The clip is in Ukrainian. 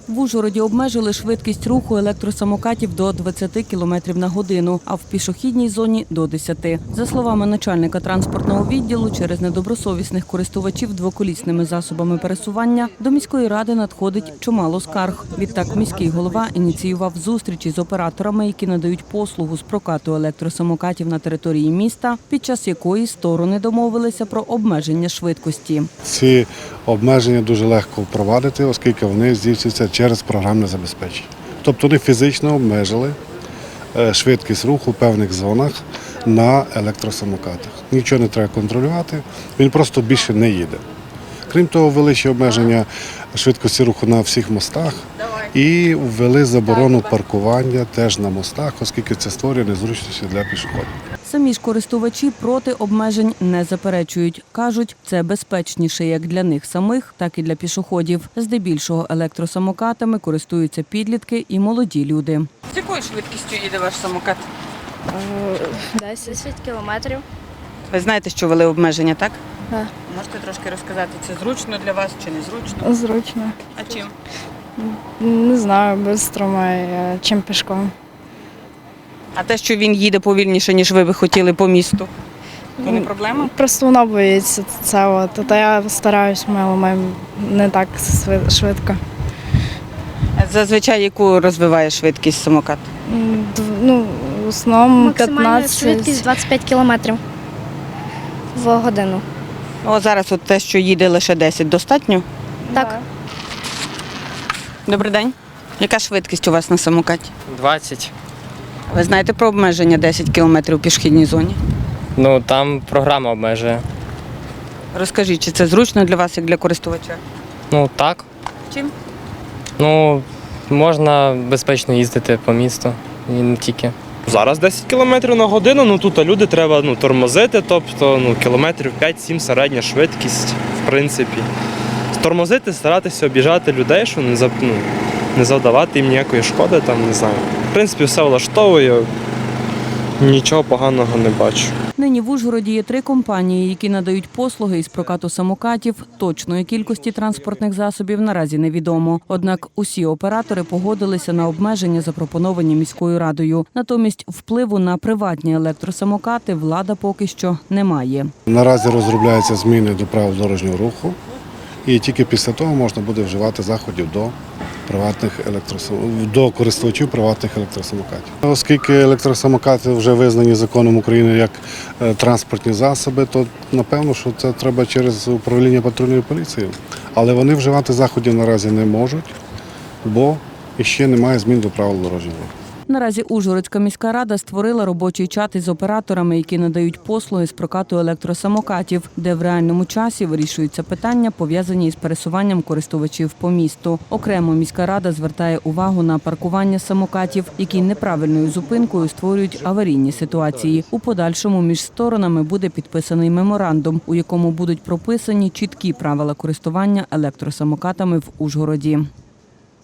В Ужгороді обмежили швидкість руху електросамокатів до 20 км на годину, а в пішохідній зоні – до 10. За словами начальника транспортного відділу, через недобросовісних користувачів двоколісними засобами пересування до міської ради надходить чимало скарг. Відтак міський голова ініціював зустрічі з операторами, які надають послугу з прокату електросамокатів на території міста, під час якої сторони домовилися про обмеження швидкості. Ці обмеження дуже легко впровадити, оскільки вони здійснюються через програмне забезпечення. Тобто вони фізично обмежили швидкість руху в певних зонах на електросамокатах. Нічого не треба контролювати, він просто більше не їде. Крім того, ввели ще обмеження швидкості руху на всіх мостах і ввели заборону паркування теж на мостах, оскільки це створює незручності для пішоходів. Самі ж користувачі проти обмежень не заперечують. Кажуть, це безпечніше як для них самих, так і для пішоходів. Здебільшого електросамокатами користуються підлітки і молоді люди. З якою швидкістю їде ваш самокат? 10 кілометрів. Ви знаєте, що ввели обмеження, так? Так. Можете трошки розказати, це зручно для вас чи незручно? Зручно. А чим? Не знаю, без трамвая, чим пішком. А те, що він їде повільніше, ніж ви би хотіли по місту, то не проблема? Просто вона боїться це. Та я стараюсь, але не так швидко. А зазвичай яку розвиває швидкість самокат? В основному Максимальна 15. швидкість 25 км в годину. О, зараз от те, що їде лише 10, достатньо? Так. Добрий день. Яка швидкість у вас на самокаті? 20. Ви знаєте про обмеження 10 км у пішохідній зоні? Ну, там програма обмежує. Розкажіть, чи це зручно для вас, як для користувача? Ну, так. Чим? Ну, можна безпечно їздити по місту і не тільки. Зараз 10 км на годину, тут люди треба тормозити, тобто кілометрів 5-7 середня швидкість, в принципі. Тормозити, старатися об'їжджати людей, щоб не завдавати їм ніякої шкоди, не знаю. В принципі, все влаштовує, нічого поганого не бачу. Нині в Ужгороді є 3 компанії, які надають послуги із прокату самокатів. Точної кількості транспортних засобів наразі невідомо. Однак усі оператори погодилися на обмеження, запропоновані міською радою. Натомість впливу на приватні електросамокати влада поки що не має. Наразі розробляються зміни до правил дорожнього руху, і тільки після того можна буде вживати заходів до користувачів приватних електросамокатів. Оскільки електросамокати вже визнані законом України як транспортні засоби, то напевно, що це треба через управління патрульної поліції. Але вони вживати заходів наразі не можуть, бо ще немає змін до правил дорожнього руху. Наразі Ужгородська міська рада створила робочий чат із операторами, які надають послуги з прокату електросамокатів, де в реальному часі вирішуються питання, пов'язані із пересуванням користувачів по місту. Окремо міська рада звертає увагу на паркування самокатів, які неправильною зупинкою створюють аварійні ситуації. У подальшому між сторонами буде підписаний меморандум, у якому будуть прописані чіткі правила користування електросамокатами в Ужгороді.